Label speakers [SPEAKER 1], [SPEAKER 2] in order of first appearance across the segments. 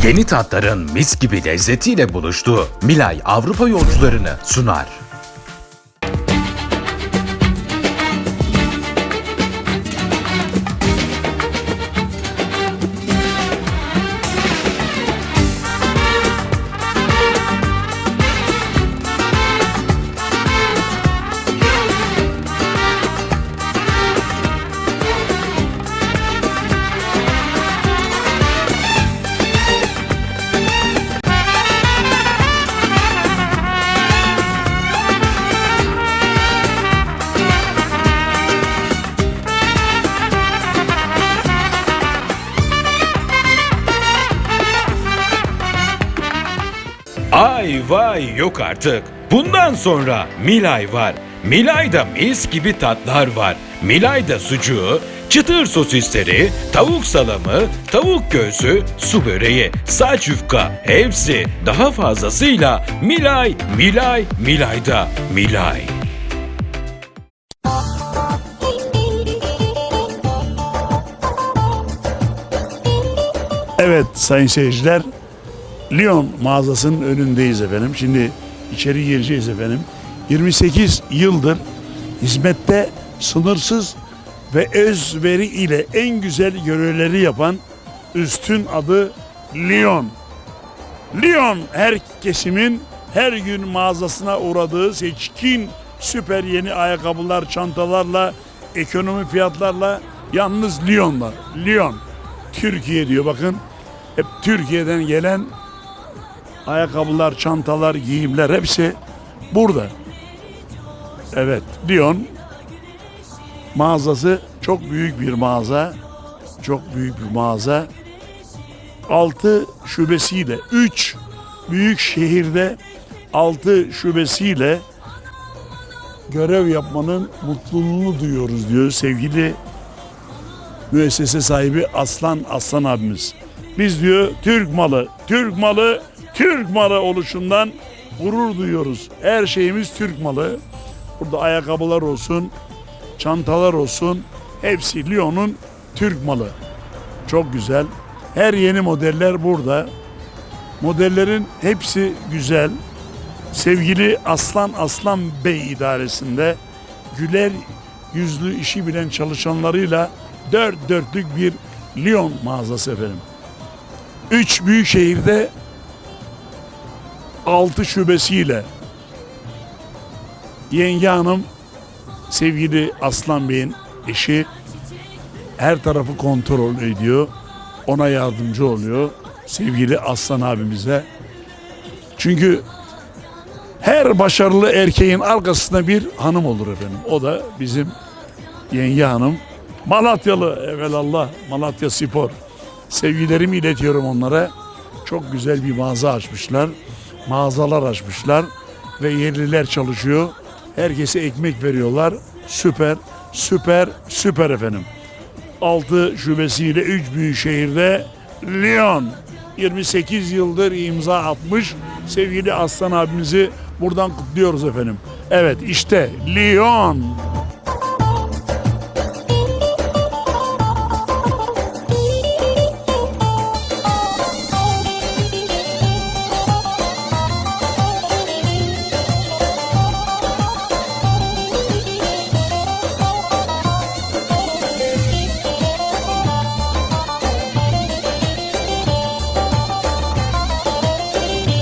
[SPEAKER 1] Yeni tatların mis gibi lezzetiyle buluştuğu Milay Avrupa yolcularını sunar.
[SPEAKER 2] Ay vay yok artık. Bundan sonra Milay var. Milay'da mis gibi tatlar var. Milay'da sucuğu, çıtır sosisleri, tavuk salamı, tavuk göğsü, su böreği, saç yufka hepsi daha fazlasıyla Milay, Milay, Milay'da Milay.
[SPEAKER 3] Evet sayın seyirciler, Lyon mağazasının önündeyiz efendim. Şimdi içeri gireceğiz efendim. 28 yıldır hizmette sınırsız ve özveri ile en güzel görevleri yapan üstün adı Lyon. Lyon her kesimin her gün mağazasına uğradığı seçkin süper yeni ayakkabılar, çantalarla, ekonomi fiyatlarla, yalnız Lyon'da. Lyon. Türkiye diyor bakın. Hep Türkiye'den gelen ayakkabılar, çantalar, giyimler hepsi burada. Evet, Lyon mağazası çok büyük bir mağaza. Çok büyük bir mağaza. 6 şubesiyle, 3 büyük şehirde 6 şubesiyle görev yapmanın mutluluğunu duyuyoruz diyor sevgili müessese sahibi Aslan abimiz. Biz diyor Türk malı, Türk malı, Türk malı oluşundan gurur duyuyoruz. Her şeyimiz Türk malı. Burada ayakkabılar olsun, çantalar olsun, hepsi Lyon'un Türk malı. Çok güzel. Her yeni modeller burada. Modellerin hepsi güzel. Sevgili Aslan Bey idaresinde güler yüzlü işi bilen çalışanlarıyla dört dörtlük bir Lyon mağazası efendim. 3 büyük şehirde 6 şubesiyle yenge hanım sevgili Aslan Bey'in eşi her tarafı kontrol ediyor. Ona yardımcı oluyor sevgili Aslan abimize. Çünkü her başarılı erkeğin arkasında bir hanım olur efendim. O da bizim yenge hanım. Malatyalı evelallah, Malatya Spor. Sevgilerimi iletiyorum onlara. Çok güzel bir mağaza açmışlar. Mağazalar açmışlar ve yerliler çalışıyor. Herkese ekmek veriyorlar. Süper, süper, süper efendim. 6 şubesiyle 3 büyük şehirde Lyon 28 yıldır imza atmış sevgili Aslan abimizi buradan kutluyoruz efendim. Evet işte Lyon.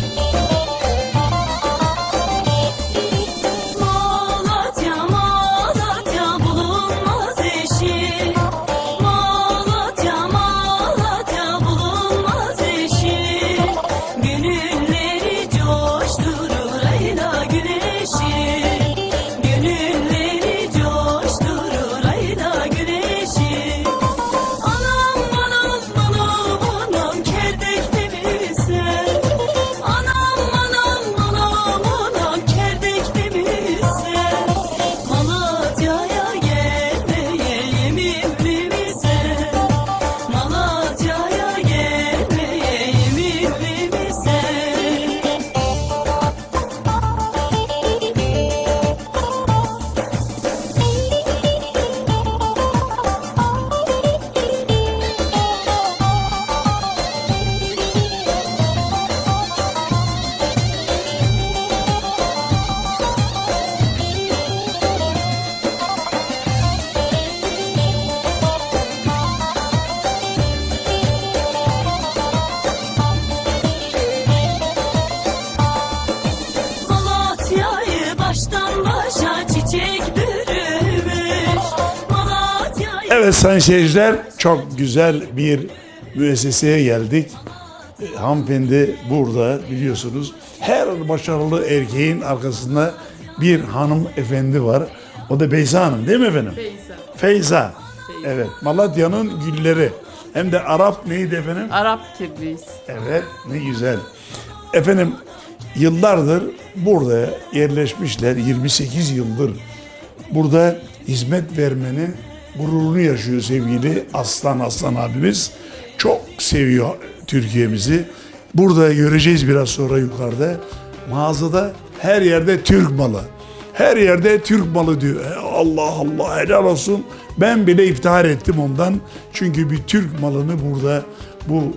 [SPEAKER 4] Malatya,
[SPEAKER 3] Evet sayın seyirciler, çok güzel bir müesseseye geldik. Hanımefendi burada, biliyorsunuz. Her başarılı erkeğin arkasında bir hanımefendi var. O da Beyza Hanım değil mi efendim? Feyza. Evet, Malatya'nın gülleri. Hem de Arap neydi efendim?
[SPEAKER 4] Arap kirliyiz.
[SPEAKER 3] Evet, ne güzel. Efendim, yıllardır burada yerleşmişler, 28 yıldır. Burada hizmet vermenin gururunu yaşıyor sevgili Aslan abimiz. Çok seviyor Türkiye'mizi. Burada göreceğiz biraz sonra yukarıda. Mağazada her yerde Türk malı. Her yerde Türk malı diyor. Allah Allah, helal olsun. Ben bile iftihar ettim ondan. Çünkü bir Türk malını burada bu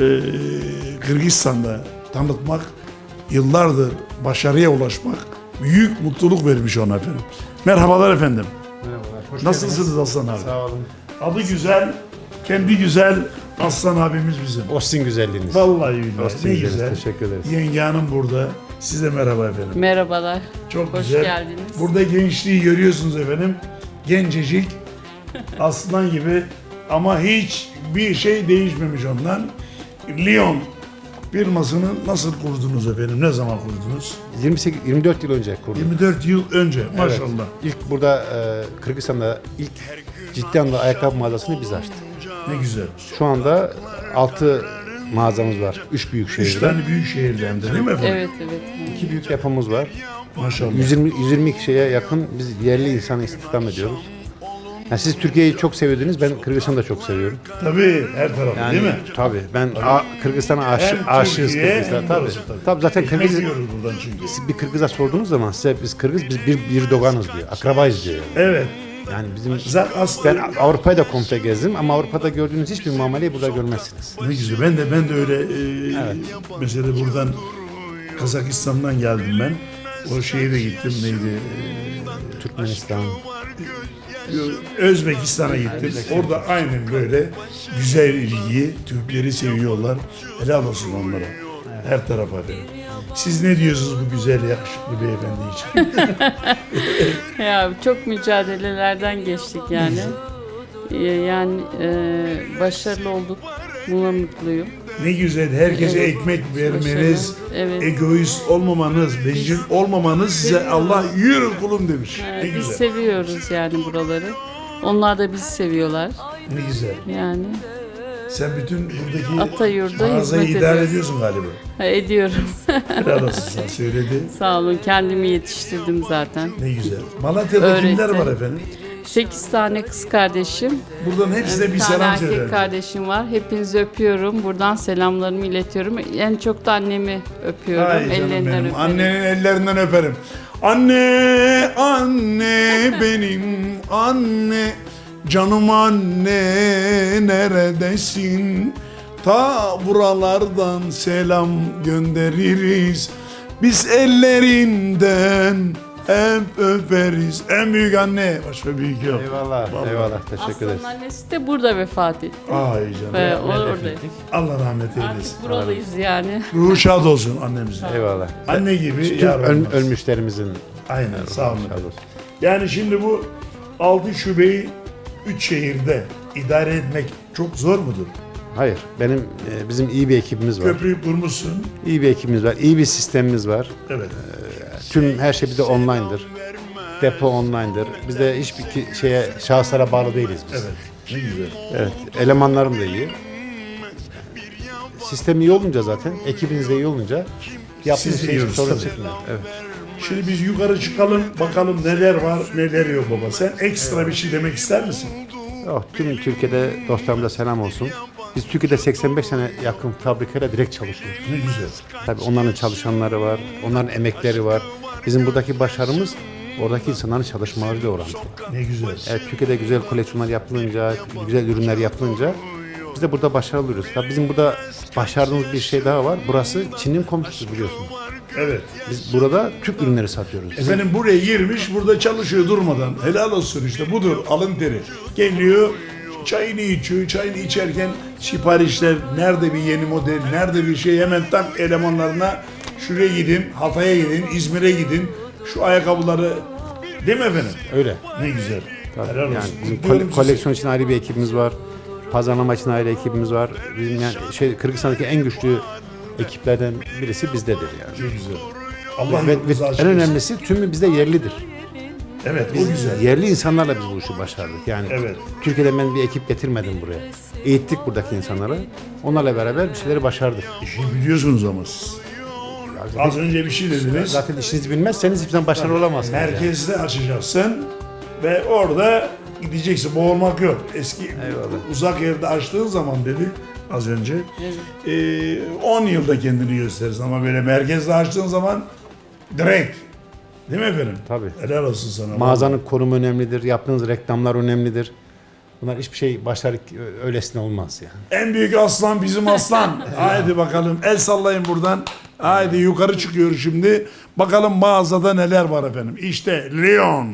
[SPEAKER 3] Kırgızistan'da tanıtmak, yıllardır başarıya ulaşmak büyük mutluluk vermiş ona efendim. Merhabalar efendim.
[SPEAKER 5] Merhabalar. Hoş
[SPEAKER 3] Nasılsınız
[SPEAKER 5] geldiniz.
[SPEAKER 3] Aslan abi?
[SPEAKER 5] Sağ olun.
[SPEAKER 3] Adı güzel, kendi güzel Aslan abimiz bizim.
[SPEAKER 5] Ostin güzelliğiniz.
[SPEAKER 3] Vallahi billahi.
[SPEAKER 5] Ostin
[SPEAKER 3] Ne
[SPEAKER 5] güzel.
[SPEAKER 3] güzel.
[SPEAKER 5] Teşekkür ederiz.
[SPEAKER 3] Yenge hanım burada. Size merhaba efendim.
[SPEAKER 4] Merhabalar.
[SPEAKER 3] Çok
[SPEAKER 4] Hoş
[SPEAKER 3] güzel.
[SPEAKER 4] geldiniz.
[SPEAKER 3] Burada gençliği görüyorsunuz efendim. Gencecik, aslan gibi ama hiç bir şey değişmemiş ondan. Lyon firmasını nasıl kurdunuz efendim? Ne zaman kurdunuz?
[SPEAKER 5] 24 yıl önce kurduk.
[SPEAKER 3] 24 yıl önce maşallah.
[SPEAKER 5] Evet. İlk burada Kırgızistan'da ilk ciddi anlamda ayakkabı mağazasını biz açtık.
[SPEAKER 3] Ne güzel.
[SPEAKER 5] Şu anda 6 mağazamız var. 3 büyük
[SPEAKER 3] 3
[SPEAKER 5] şehirde.
[SPEAKER 3] tane büyük şehirden de değil mi efendim?
[SPEAKER 4] Evet.
[SPEAKER 5] 2 büyük yapımız var.
[SPEAKER 3] Maşallah.
[SPEAKER 5] 120 kişiye yakın biz yerli insanı istihdam ediyoruz. Yani siz Türkiye'yi çok seviyordunuz. Ben Kırgızistan'ı da çok seviyorum.
[SPEAKER 3] Tabii her tarafı
[SPEAKER 5] Yani
[SPEAKER 3] değil mi?
[SPEAKER 5] tabii. Ben Kırgızistan'a
[SPEAKER 3] Hem
[SPEAKER 5] aşığız
[SPEAKER 3] Türkiye,
[SPEAKER 5] Kırgızistan'a.
[SPEAKER 3] hem
[SPEAKER 5] Tabii.
[SPEAKER 3] burası
[SPEAKER 5] Tabii zaten
[SPEAKER 3] Ekmek
[SPEAKER 5] Kırgız
[SPEAKER 3] yiyoruz buradan çünkü.
[SPEAKER 5] siz bir Kırgız'a sorduğunuz zaman size biz Kırgız biz bir doganız diyor. Akrabayız diyor.
[SPEAKER 3] Evet.
[SPEAKER 5] Yani bizim
[SPEAKER 3] Zaten
[SPEAKER 5] ben Avrupa'yı da komple gezdim ama Avrupa'da gördüğünüz hiçbir muameleyi burada görmezsiniz.
[SPEAKER 3] ne güzel. Ben de öyle mesela buradan Kazakistan'dan geldim ben. O şeye de gittim neydi?
[SPEAKER 5] Türkmenistan.
[SPEAKER 3] Özbekistan'a gittim. Orada aynen böyle güzel ilgiyi, Türkleri seviyorlar. Helal olsun onlara. Her tarafa efendim. Siz ne diyorsunuz bu güzel yakışıklı beyefendi için?
[SPEAKER 4] Ya çok mücadelelerden geçtik yani. Yani başarılı olduk. Buna mutluyum.
[SPEAKER 3] Ne güzel herkese
[SPEAKER 4] Evet.
[SPEAKER 3] ekmek vermeniz,
[SPEAKER 4] Evet.
[SPEAKER 3] egoist olmamanız, bencil olmamanız size Allah yürü kulum demiş. Ne
[SPEAKER 4] Biz
[SPEAKER 3] güzel.
[SPEAKER 4] seviyoruz yani buraları. Onlar da bizi seviyorlar.
[SPEAKER 3] Ne güzel.
[SPEAKER 4] Yani
[SPEAKER 3] Sen bütün buradaki
[SPEAKER 4] Atayur'da
[SPEAKER 3] mağazayı
[SPEAKER 4] hizmet
[SPEAKER 3] idare
[SPEAKER 4] ediyoruz.
[SPEAKER 3] ediyorsun galiba.
[SPEAKER 4] Ediyorum.
[SPEAKER 3] Helal olsun sana söyledi.
[SPEAKER 4] Sağ olun. Kendimi yetiştirdim zaten.
[SPEAKER 3] Ne güzel. Malatya'da kimler
[SPEAKER 4] Öğretti.
[SPEAKER 3] var efendim?
[SPEAKER 4] 8 tane kız kardeşim.
[SPEAKER 3] Buradan hepsine bir
[SPEAKER 4] Bir tane
[SPEAKER 3] selam
[SPEAKER 4] erkek
[SPEAKER 3] söylerim.
[SPEAKER 4] kardeşim var. Hepinizi öpüyorum. Buradan selamlarımı iletiyorum. En çok da annemi öpüyorum.
[SPEAKER 3] Ay canım
[SPEAKER 4] Ellerinden
[SPEAKER 3] benim.
[SPEAKER 4] öperim.
[SPEAKER 3] Annenin ellerinden öperim. Anne, anne benim anne. Canım anne neredesin? Ta buralardan selam göndeririz. Biz ellerinden hep öperiz. En büyük anne. Başka büyük yok.
[SPEAKER 5] Eyvallah.
[SPEAKER 3] Vallahi.
[SPEAKER 5] Eyvallah. Teşekkür ederiz.
[SPEAKER 4] Aslanın annesi de burada vefat etti.
[SPEAKER 3] Ay canım.
[SPEAKER 4] Ve o orada.
[SPEAKER 3] Allah rahmet eylesin.
[SPEAKER 4] Artık buralıyız yani.
[SPEAKER 3] Ruhu şad olsun annemizin.
[SPEAKER 5] Eyvallah.
[SPEAKER 3] Anne gibi
[SPEAKER 5] Tüm
[SPEAKER 3] yar olmaz.
[SPEAKER 5] ölmüşlerimizin
[SPEAKER 3] Aynen sağ olun.
[SPEAKER 5] sağ olsun.
[SPEAKER 3] Yani şimdi bu 6 şubeyi 3 şehirde idare etmek çok zor mudur?
[SPEAKER 5] Hayır. Bizim iyi bir ekibimiz var.
[SPEAKER 3] Köprüyü kurmuşsun.
[SPEAKER 5] İyi bir ekibimiz var. İyi bir sistemimiz var.
[SPEAKER 3] Evet.
[SPEAKER 5] Tüm her şey bizde online'dır. Depo online'dır. Biz de hiçbir şahıslara bağlı değiliz biz.
[SPEAKER 3] Evet. Ne güzel.
[SPEAKER 5] Evet. Elemanlarım da iyi. Sistem iyi olunca zaten, ekibiniz de iyi olunca yaptığınız
[SPEAKER 3] Siz
[SPEAKER 5] şey
[SPEAKER 3] yiyoruz
[SPEAKER 5] sorun
[SPEAKER 3] tabii.
[SPEAKER 5] çıkmıyor. Evet.
[SPEAKER 3] Şimdi biz yukarı çıkalım bakalım neler var neler yok baba. Sen ekstra bir şey demek ister misin?
[SPEAKER 5] Oh, tüm Türkiye'de dostlarımıza selam olsun. Biz Türkiye'de 85 sene yakın fabrikayla direkt çalışıyoruz.
[SPEAKER 3] Ne güzel.
[SPEAKER 5] Tabii onların çalışanları var, onların emekleri var. Bizim buradaki başarımız oradaki insanların çalışmalarıyla orantılı.
[SPEAKER 3] Ne güzel.
[SPEAKER 5] Evet, Türkiye'de güzel koleksiyonlar yapılınca, güzel ürünler yapılınca biz de burada başarılı oluyoruz. Tabii bizim burada başardığımız bir şey daha var. Burası Çin'in komşusu biliyorsunuz.
[SPEAKER 3] Evet.
[SPEAKER 5] Biz burada Türk ürünleri satıyoruz.
[SPEAKER 3] Efendim buraya girmiş burada çalışıyor durmadan. Helal olsun işte budur alın teri. Geliyor çayını içiyor. Çayını içerken siparişler nerede bir yeni model nerede bir şey hemen tak elemanlarına şuraya gidin Hatay'a gidin İzmir'e gidin şu ayakkabıları değil mi efendim?
[SPEAKER 5] Öyle.
[SPEAKER 3] Ne güzel.
[SPEAKER 5] Tabii.
[SPEAKER 3] Helal olsun.
[SPEAKER 5] Yani bizim
[SPEAKER 3] Kutluyorum sizi.
[SPEAKER 5] koleksiyon için ayrı bir ekibimiz var. Pazarlama için ayrı ekibimiz var. Bizim yani Kırgızistan'daki en güçlü ekiplerden birisi bizdedir yani.
[SPEAKER 3] Çok güzel. Allah
[SPEAKER 5] Ve
[SPEAKER 3] yolunuzu açık
[SPEAKER 5] en
[SPEAKER 3] etsin.
[SPEAKER 5] önemlisi tümü bizde yerlidir.
[SPEAKER 3] Evet, o
[SPEAKER 5] Biz
[SPEAKER 3] güzel.
[SPEAKER 5] yerli insanlarla biz bu işi başardık. Yani
[SPEAKER 3] Evet.
[SPEAKER 5] Türkiye'den ben bir ekip getirmedim buraya. Eğittik buradaki insanları. Onlarla beraber bir şeyleri başardık.
[SPEAKER 3] İşi biliyorsunuz ama siz. Az önce bir şey dediniz.
[SPEAKER 5] Zaten işinizi bilmezseniz hiçbir zaman başarılı olamazsınız. yani.
[SPEAKER 3] Merkezde açacaksın ve orada gideceksin. Boğulmak yok. Eski
[SPEAKER 5] Eyvallah.
[SPEAKER 3] uzak yerde açtığın zaman dedi az önce 10 yılda kendini gösterirsin ama böyle merkezde açtığın zaman direkt. Değil mi efendim?
[SPEAKER 5] Tabii.
[SPEAKER 3] Helal olsun sana.
[SPEAKER 5] Mağazanın konumu önemlidir. Yaptığınız reklamlar önemlidir. Bunlar hiçbir şey başarık öylesine olmaz yani.
[SPEAKER 3] En büyük aslan bizim aslan. Haydi bakalım el sallayın buradan. Haydi yukarı çıkıyoruz şimdi. Bakalım mağazada neler var efendim. İşte Lyon.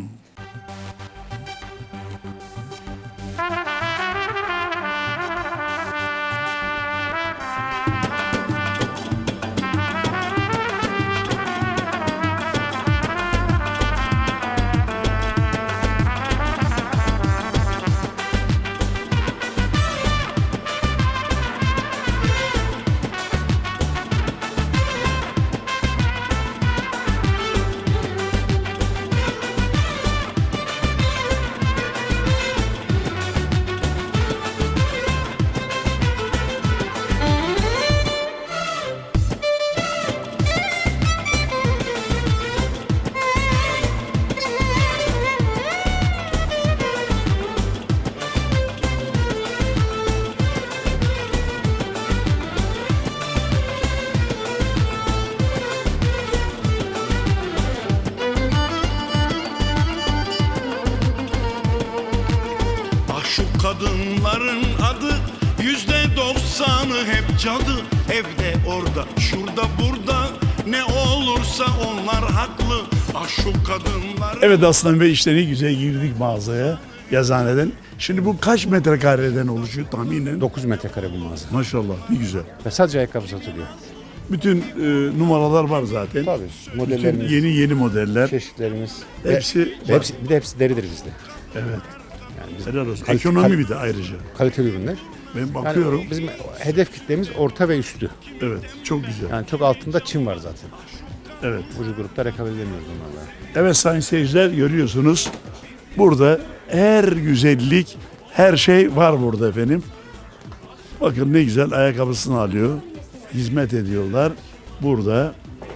[SPEAKER 6] Ah şu kadınların adı %90'ı hep cadı. Evde orada şurada burada ne olursa onlar haklı. Ah şu kadınlar.
[SPEAKER 3] Evet Aslan Bey işte ne güzel girdik mağazaya. Yazıhaneden. Şimdi bu kaç metrekareden oluşuyor tahminen?
[SPEAKER 5] 9 metrekare bu mağaza.
[SPEAKER 3] Maşallah ne güzel.
[SPEAKER 5] Ve sadece ayakkabı satılıyor.
[SPEAKER 3] Bütün numaralar var zaten.
[SPEAKER 5] Tabii.
[SPEAKER 3] Bütün
[SPEAKER 5] Modellerimiz,
[SPEAKER 3] yeni modeller.
[SPEAKER 5] çeşitlerimiz.
[SPEAKER 3] Hepsi
[SPEAKER 5] Ve
[SPEAKER 3] var.
[SPEAKER 5] hepsi, bir de hepsi deridir bizde.
[SPEAKER 3] Evet.
[SPEAKER 5] Yani biz
[SPEAKER 3] Helal olsun.
[SPEAKER 5] kalite-
[SPEAKER 3] Ekonomi bir de ayrıca.
[SPEAKER 5] kaliteli ürünler.
[SPEAKER 3] Ben bakıyorum.
[SPEAKER 5] Yani bizim hedef kitlemiz orta ve üstü.
[SPEAKER 3] Evet. Çok güzel.
[SPEAKER 5] Yani çok altında Çin var zaten.
[SPEAKER 3] Evet.
[SPEAKER 5] Ucu grupta rekabet edemiyoruz onlarla.
[SPEAKER 3] Evet sayın seyirciler görüyorsunuz. Burada her güzellik, her şey var burada efendim. Bakın ne güzel ayakkabısını alıyor. Hizmet ediyorlar. Burada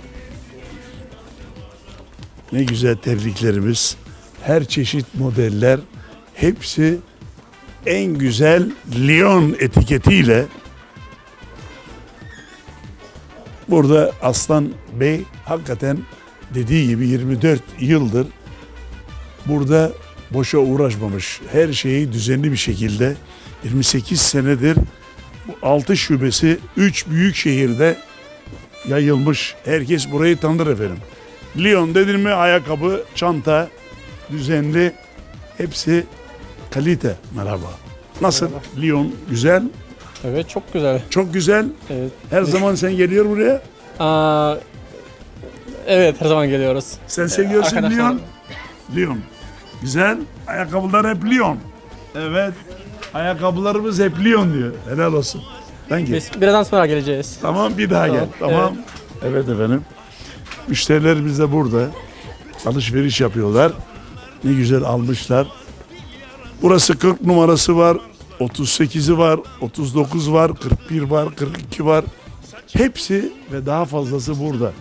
[SPEAKER 3] ne güzel terliklerimiz. Her çeşit modeller. Hepsi en güzel Lyon etiketiyle. Burada Aslan Bey hakikaten dediği gibi 24 yıldır burada boşa uğraşmamış. Her şeyi düzenli bir şekilde 28 senedir bu 6 şubesi 3 büyük şehirde yayılmış. Herkes burayı tanır efendim. Lyon dedin mi ayakkabı, çanta, düzenli hepsi kalite. Merhaba. Nasıl? Lyon güzel,
[SPEAKER 7] Evet çok güzel.
[SPEAKER 3] çok güzel.
[SPEAKER 7] Evet.
[SPEAKER 3] Her zaman sen geliyor buraya.
[SPEAKER 7] Aa, evet her zaman geliyoruz.
[SPEAKER 3] Sen seviyorsun
[SPEAKER 7] Arkadaşlar-
[SPEAKER 3] Lyon. Lyon. Güzel. Ayakkabılar hep Lyon. Evet. Ayakkabılarımız hep Lyon diyor. Helal olsun. Thank you.
[SPEAKER 7] Biz birazdan sonra geleceğiz.
[SPEAKER 3] Tamam bir daha gel. Tamam. Evet efendim. Müşterilerimiz de burada. Alışveriş yapıyorlar. Ne güzel almışlar. Burası 40 numarası var. 38'i var. 39 var. 41 var. 42 var. Hepsi ve daha fazlası burada.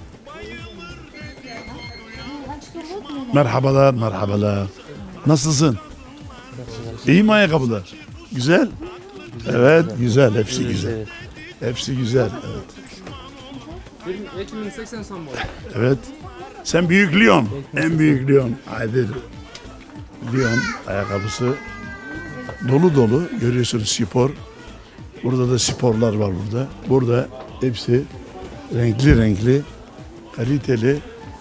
[SPEAKER 3] Merhabalar, merhabalar. Nasılsın? İyi mi ayakkabılar? Güzel? Evet, güzel. Hepsi güzel. Hepsi güzel. Evet.
[SPEAKER 7] 2080 boy.
[SPEAKER 3] Evet. Sen büyük Lyon. En büyük Lyon. Haydi. Lyon ayakkabısı. Dolu dolu. Görüyorsunuz spor. Burada da sporlar var burada. Burada hepsi renkli renkli. Kaliteli.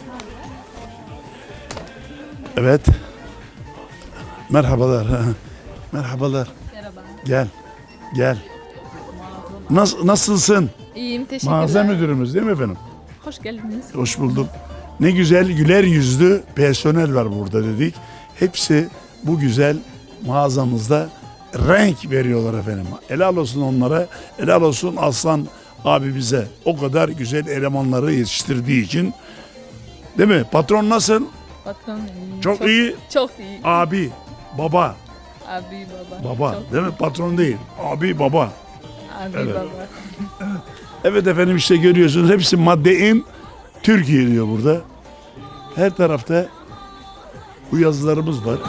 [SPEAKER 3] Evet. Merhabalar. Merhabalar.
[SPEAKER 8] Merhaba.
[SPEAKER 3] Gel. Gel. Nasılsın?
[SPEAKER 8] İyiyim, teşekkürler.
[SPEAKER 3] Mağaza müdürümüz değil mi efendim?
[SPEAKER 8] Hoş geldiniz.
[SPEAKER 3] Hoş bulduk. Ne güzel güler yüzlü personel var burada dedik. Hepsi bu güzel mağazamızda renk veriyorlar efendim. Helal olsun onlara, helal olsun Aslan abimize. O kadar güzel elemanları yetiştirdiği için. Değil mi? Patron nasıl?
[SPEAKER 8] Patron iyi.
[SPEAKER 3] Çok iyi.
[SPEAKER 8] Çok iyi.
[SPEAKER 3] Abi, baba.
[SPEAKER 8] Abi baba.
[SPEAKER 3] Baba.
[SPEAKER 8] Çok
[SPEAKER 3] Değil mi? Patron değil. Abi, baba.
[SPEAKER 8] Abi
[SPEAKER 3] Evet.
[SPEAKER 8] baba.
[SPEAKER 3] Evet efendim, işte görüyorsunuz hepsi Madde-in Türkiye diyor burada. Her tarafta bu yazılarımız var.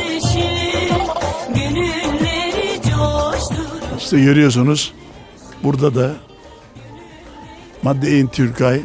[SPEAKER 3] İşte görüyorsunuz burada da Madde-in Türkay.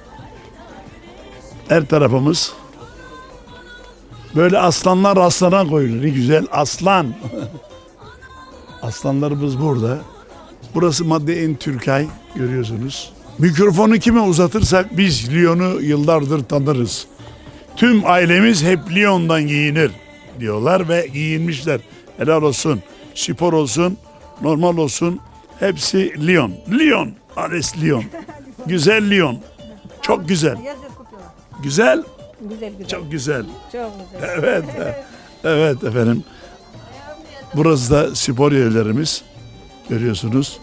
[SPEAKER 3] Her tarafımız böyle aslanlar aslana koyulur. Ne güzel aslan. Aslanlarımız burada. Burası Madde-in Türkay görüyorsunuz. Mikrofonu kime uzatırsak biz Lyon'u yıllardır tanırız. Tüm ailemiz hep Lyon'dan giyinir diyorlar ve giyinmişler. Helal olsun. Spor olsun, normal olsun. Hepsi Lyon. Lyon. Ares Lyon. Güzel Lyon. Çok güzel. Güzel.
[SPEAKER 9] Güzel güzel.
[SPEAKER 3] Çok güzel.
[SPEAKER 9] Çok güzel.
[SPEAKER 3] Evet. Evet efendim. Burası da spor yerlerimiz. Görüyorsunuz.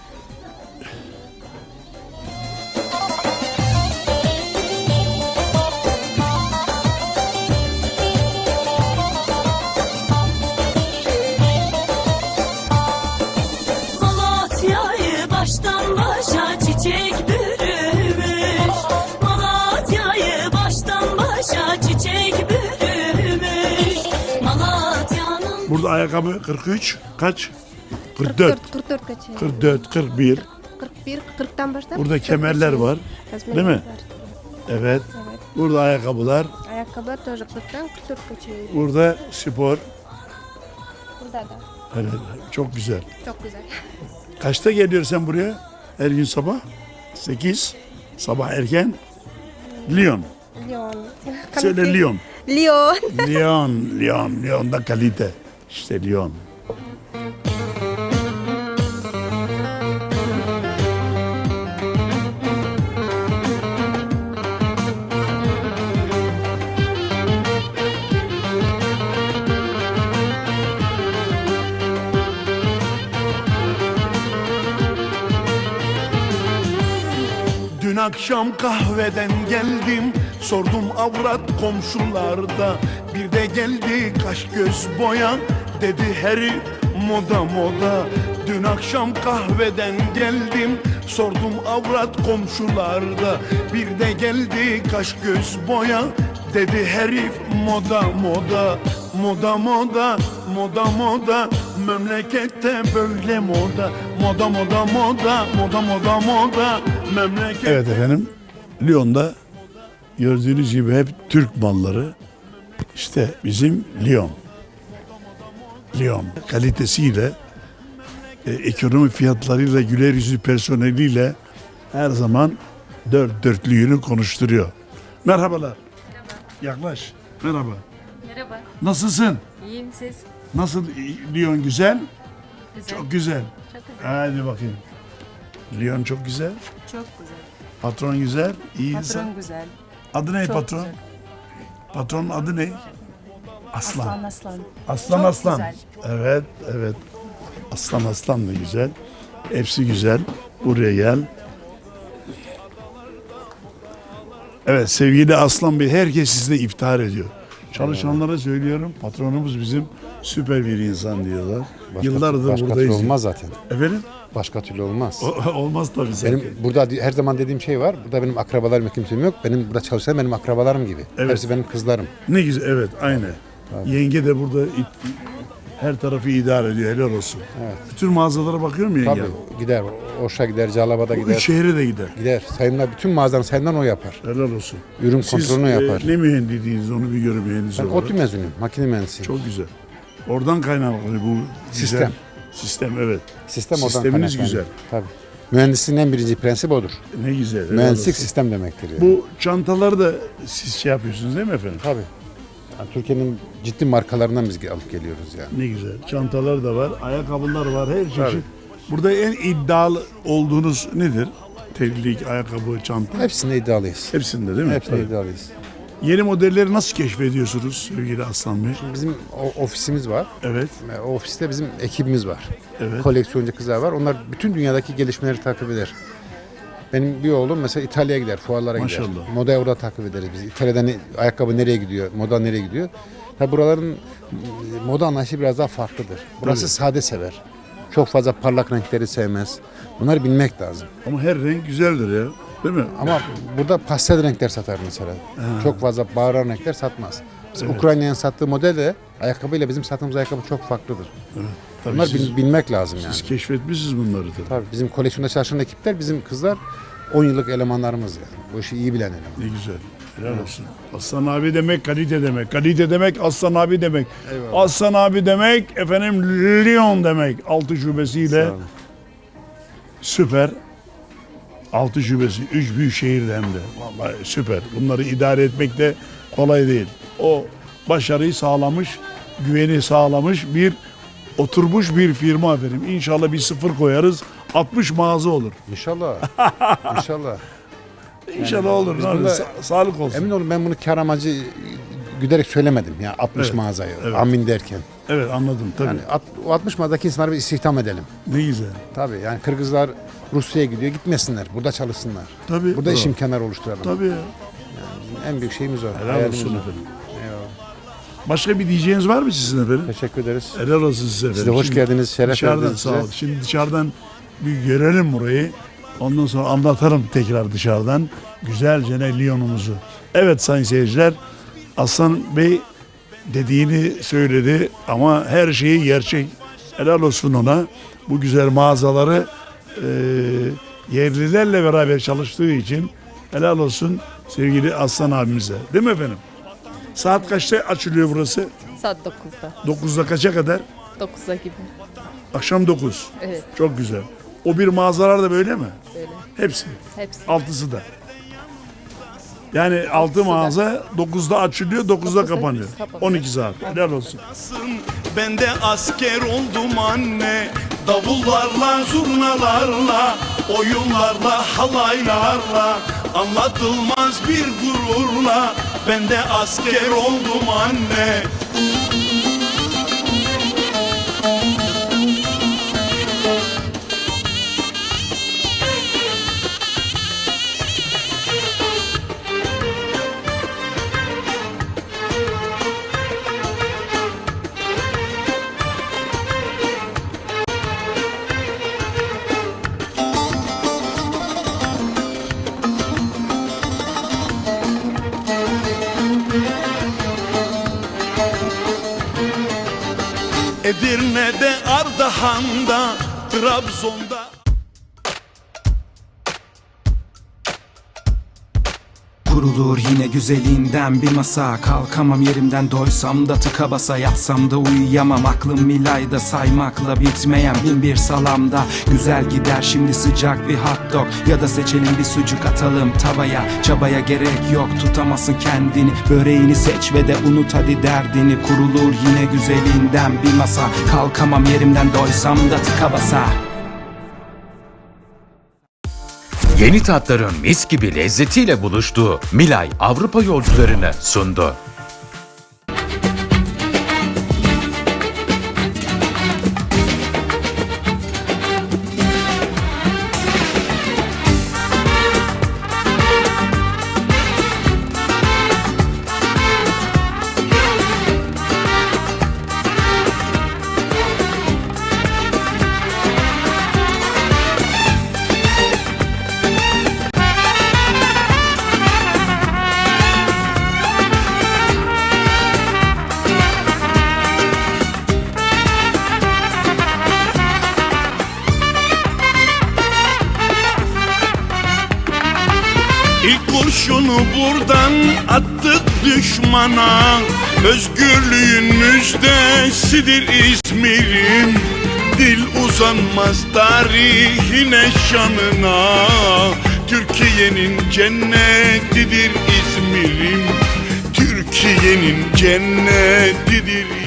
[SPEAKER 10] Malatya'yı baştan başa çiçek bürümüş. Malatya'yı baştan başa çiçek bürümüş. Malatya'nın
[SPEAKER 3] Burada ayakkabı 43. Kaç? 44.
[SPEAKER 9] 44 kaçıyor.
[SPEAKER 3] 44, 41.
[SPEAKER 9] 41, 40'tan başlar.
[SPEAKER 3] Burada kemerler var. Değil mi? Evet.
[SPEAKER 9] Evet.
[SPEAKER 3] Burada ayakkabılar.
[SPEAKER 9] Ayakkabılar da 40'tan 44 kaçıyor.
[SPEAKER 3] Burada spor.
[SPEAKER 9] Burada da.
[SPEAKER 3] Evet, çok güzel.
[SPEAKER 9] Çok güzel.
[SPEAKER 3] Kaçta geliyorsun sen buraya? Her gün sabah? 8. Sabah erken. Lyon.
[SPEAKER 9] Lyon.
[SPEAKER 3] Söyle Lyon.
[SPEAKER 9] Lyon.
[SPEAKER 3] Lyon. Lyon'da kalite. İşte Lyon.
[SPEAKER 6] Dün akşam kahveden geldim, sordum avrat komşularda. Bir de geldi kaş göz boya, dedi herif moda moda. Dün akşam kahveden geldim, sordum avrat komşularda. Bir de geldi kaş göz boya, dedi herif moda moda. Moda moda, moda moda, memlekette böyle moda. Moda moda moda, moda moda moda, memlekette.
[SPEAKER 3] Evet efendim. Lyon'da gördüğünüz gibi hep Türk malları. İşte bizim Lyon. Lyon kalitesiyle, ekonomi fiyatlarıyla, güler yüzlü personeliyle her zaman dört dörtlüğünü konuşturuyor. Merhabalar. Yaklaş. Merhaba.
[SPEAKER 8] Merhaba.
[SPEAKER 3] Nasılsın?
[SPEAKER 8] İyiyim siz?
[SPEAKER 3] Nasıl Lyon güzel?
[SPEAKER 8] Güzel.
[SPEAKER 3] Çok güzel.
[SPEAKER 8] Çok güzel.
[SPEAKER 3] Hadi bakayım. Lyon çok güzel.
[SPEAKER 8] Çok güzel.
[SPEAKER 3] Patron güzel. İyi insan.
[SPEAKER 8] Patron güzel.
[SPEAKER 3] Adı ne
[SPEAKER 8] Çok
[SPEAKER 3] patron?
[SPEAKER 8] güzel.
[SPEAKER 3] Patronun adı ne? Aslan.
[SPEAKER 8] Aslan aslan.
[SPEAKER 3] Aslan
[SPEAKER 8] Çok
[SPEAKER 3] aslan.
[SPEAKER 8] güzel.
[SPEAKER 3] Evet. Aslan da güzel. Hepsi güzel. Buraya gel. Evet sevgili Aslan Bey, herkes sizle iftihar ediyor. Çalışanlara söylüyorum, patronumuz bizim süper bir insan diyorlar. Yıllardır
[SPEAKER 5] başka
[SPEAKER 3] buradayız.
[SPEAKER 5] türlü olmaz zaten.
[SPEAKER 3] Efendim?
[SPEAKER 5] Başka türlü olmaz.
[SPEAKER 3] Olmaz tabii zaten.
[SPEAKER 5] Benim burada her zaman dediğim şey var. Burada benim akrabalarım kimsem yok. Benim burada çalışan benim akrabalarım gibi.
[SPEAKER 3] Evet.
[SPEAKER 5] Hepsi benim kızlarım.
[SPEAKER 3] Ne güzel, evet aynı. Yenge de burada her tarafı idare ediyor, helal olsun.
[SPEAKER 5] Evet.
[SPEAKER 3] Bütün mağazalara bakıyor mu yenge?
[SPEAKER 5] Tabii gider. Oş'a gider, Calaba'da
[SPEAKER 3] Bu
[SPEAKER 5] gider.
[SPEAKER 3] üç şehre de gider.
[SPEAKER 5] Gider. Sayımlar, bütün mağazaların sayımlarını o yapar.
[SPEAKER 3] Helal olsun.
[SPEAKER 5] Ürün
[SPEAKER 3] Siz
[SPEAKER 5] kontrolünü yapar.
[SPEAKER 3] ne mühendisiniz onu bir görün mühendis
[SPEAKER 5] Ben
[SPEAKER 3] olarak.
[SPEAKER 5] ODTÜ mezunuyum. Makine mühendisiyim.
[SPEAKER 3] Çok güzel. Oradan kaynaklı bu
[SPEAKER 5] Sistem.
[SPEAKER 3] güzel. Sistem evet.
[SPEAKER 5] Sistem oradan
[SPEAKER 3] Sisteminiz
[SPEAKER 5] kaynaklanıyor.
[SPEAKER 3] güzel.
[SPEAKER 5] Tabii. Mühendisliğin en birinci prensibi odur.
[SPEAKER 3] Ne güzel. helal
[SPEAKER 5] Mühendislik
[SPEAKER 3] olsun.
[SPEAKER 5] sistem demektir yani.
[SPEAKER 3] Bu çantaları da siz şey yapıyorsunuz değil mi efendim?
[SPEAKER 5] Tabii. Yani Türkiye'nin ciddi markalarından biz alıp geliyoruz yani.
[SPEAKER 3] Ne güzel. Çantalar da var, ayakkabılar var, her çeşit. Burada en iddialı olduğunuz nedir? Terlik, ayakkabı, çanta.
[SPEAKER 5] Hepsinde iddialıyız.
[SPEAKER 3] Hepsinde değil mi?
[SPEAKER 5] Hepsinde
[SPEAKER 3] Tabii.
[SPEAKER 5] iddialıyız.
[SPEAKER 3] Yeni modelleri nasıl keşfediyorsunuz sevgili Aslan Bey?
[SPEAKER 5] Bizim ofisimiz var.
[SPEAKER 3] Evet,
[SPEAKER 5] O ofiste bizim ekibimiz var.
[SPEAKER 3] evet.
[SPEAKER 5] Koleksiyoncu kızlar var. Onlar bütün dünyadaki gelişmeleri takip eder. Benim bir oğlum mesela İtalya'ya gider, fuarlara gider.
[SPEAKER 3] Maşallah.
[SPEAKER 5] Modayı orada takip ederiz biz. İtalya'da ayakkabı nereye gidiyor, moda nereye gidiyor. Tabi buraların moda anlayışı biraz daha farklıdır. Burası
[SPEAKER 3] Tabii.
[SPEAKER 5] sade sever. Çok fazla parlak renkleri sevmez. Bunları bilmek lazım.
[SPEAKER 3] Ama her renk güzeldir ya. Değil mi?
[SPEAKER 5] Ama burada pastel renkler satar mesela. Çok fazla bağıran renkler satmaz. Mesela
[SPEAKER 3] Evet.
[SPEAKER 5] Ukrayna'nın sattığı model de ayakkabıyla bizim sattığımız ayakkabı çok farklıdır.
[SPEAKER 3] Tabii
[SPEAKER 5] Bunlar
[SPEAKER 3] siz,
[SPEAKER 5] bilmek lazım yani.
[SPEAKER 3] siz keşfetmişsiniz bunları tabii.
[SPEAKER 5] Tabii bizim koleksiyonda çalışan ekipler bizim kızlar 10 yıllık elemanlarımız yani. Bu işi iyi bilen eleman.
[SPEAKER 3] Ne güzel. Helal olsun. Aslan abi demek kalite demek. Kalite demek Aslan abi demek.
[SPEAKER 5] Eyvallah.
[SPEAKER 3] Aslan abi demek efendim Lyon demek. 6 şubesiyle
[SPEAKER 5] Sağ olun.
[SPEAKER 3] süper. 6 şubesi 3 büyük şehirde hem de. Vallahi süper. Bunları idare etmek de kolay değil. O başarıyı sağlamış, güveni sağlamış bir oturmuş bir firma efendim. İnşallah bir sıfır koyarız. 60 mağaza olur.
[SPEAKER 5] İnşallah. İnşallah.
[SPEAKER 3] İnşallah olur.
[SPEAKER 5] biz
[SPEAKER 3] Ne olur.
[SPEAKER 5] bunda-
[SPEAKER 3] Sağlık olsun.
[SPEAKER 5] Emin olun ben bunu kar amacı güderek söylemedim ya 60
[SPEAKER 3] Evet,
[SPEAKER 5] mağazayı.
[SPEAKER 3] evet.
[SPEAKER 5] Amin derken.
[SPEAKER 3] Evet anladım tabii.
[SPEAKER 5] Yani o 60 mağazadaki insanları bir istihdam edelim.
[SPEAKER 3] Ne güzel.
[SPEAKER 5] Tabii yani Kırgızlar Rusya'ya gidiyor gitmesinler. Burada çalışsınlar.
[SPEAKER 3] Tabii.
[SPEAKER 5] Burada iş
[SPEAKER 3] bravo.
[SPEAKER 5] imkanları oluşturalım.
[SPEAKER 3] Tabii ya.
[SPEAKER 5] En büyük şeyimiz o.
[SPEAKER 3] Helal
[SPEAKER 5] hayalimiz
[SPEAKER 3] olsun
[SPEAKER 5] o.
[SPEAKER 3] efendim.
[SPEAKER 5] Eyvallah.
[SPEAKER 3] Başka bir diyeceğiniz var mı sizin efendim?
[SPEAKER 5] Teşekkür ederiz.
[SPEAKER 3] Helal olsun size efendim.
[SPEAKER 5] Siz de hoş
[SPEAKER 3] Şimdi
[SPEAKER 5] geldiniz. Şeref
[SPEAKER 3] Dışarıdan
[SPEAKER 5] verdiniz
[SPEAKER 3] sağ
[SPEAKER 5] size.
[SPEAKER 3] olun. Şimdi dışarıdan bir görelim burayı. Ondan sonra anlatalım tekrar dışarıdan. Güzelce ne Lyon'umuzu. Evet sayın seyirciler. Aslan Bey dediğini söyledi ama her şeyi gerçek. Helal olsun ona. Bu güzel mağazaları yerlilerle beraber çalıştığı için helal olsun sevgili Aslan abimize. Değil mi efendim? Saat kaçta açılıyor burası?
[SPEAKER 4] Saat 9'da.
[SPEAKER 3] 9'da kaça kadar?
[SPEAKER 4] 9'a gibi.
[SPEAKER 3] Akşam 9.
[SPEAKER 4] Evet.
[SPEAKER 3] Çok güzel. O bir mağazalar da böyle mi?
[SPEAKER 4] Böyle.
[SPEAKER 3] Hepsi.
[SPEAKER 4] Hepsi.
[SPEAKER 3] Altısı da. Yani 6 mağaza 9'da açılıyor, 9'da kapanıyor.
[SPEAKER 4] kapanıyor.
[SPEAKER 3] 12 saat. Helal olsun.
[SPEAKER 6] Ben de asker oldum anne. Davullarla, zurnalarla, oyunlarla, halaylarla, anlatılmaz bir gururla. Ben de asker oldum anne. Edirne'de, Ardahan'da, Trabzon'da.
[SPEAKER 11] Kurulur yine güzelinden bir masa. Kalkamam yerimden, doysam da tıka basa. Yatsam da uyuyamam, aklım milayda. Saymakla bitmeyen bin bir salamda. Güzel gider şimdi sıcak bir hot dog. Ya da seçelim bir sucuk atalım tavaya. Çabaya gerek yok, tutamazsın kendini. Böreğini seç ve de unut hadi derdini. Kurulur yine güzelinden bir masa. Kalkamam yerimden, doysam da tıka basa.
[SPEAKER 1] Yeni tatların mis gibi lezzetiyle buluştuğu Milay Avrupa yolcularını sundu.
[SPEAKER 6] İlk kurşunu buradan attık düşmana. Özgürlüğün müjdesidir İzmir'im. Dil uzanmaz tarihine, şanına. Türkiye'nin cennetidir İzmir'im. Türkiye'nin cennetidir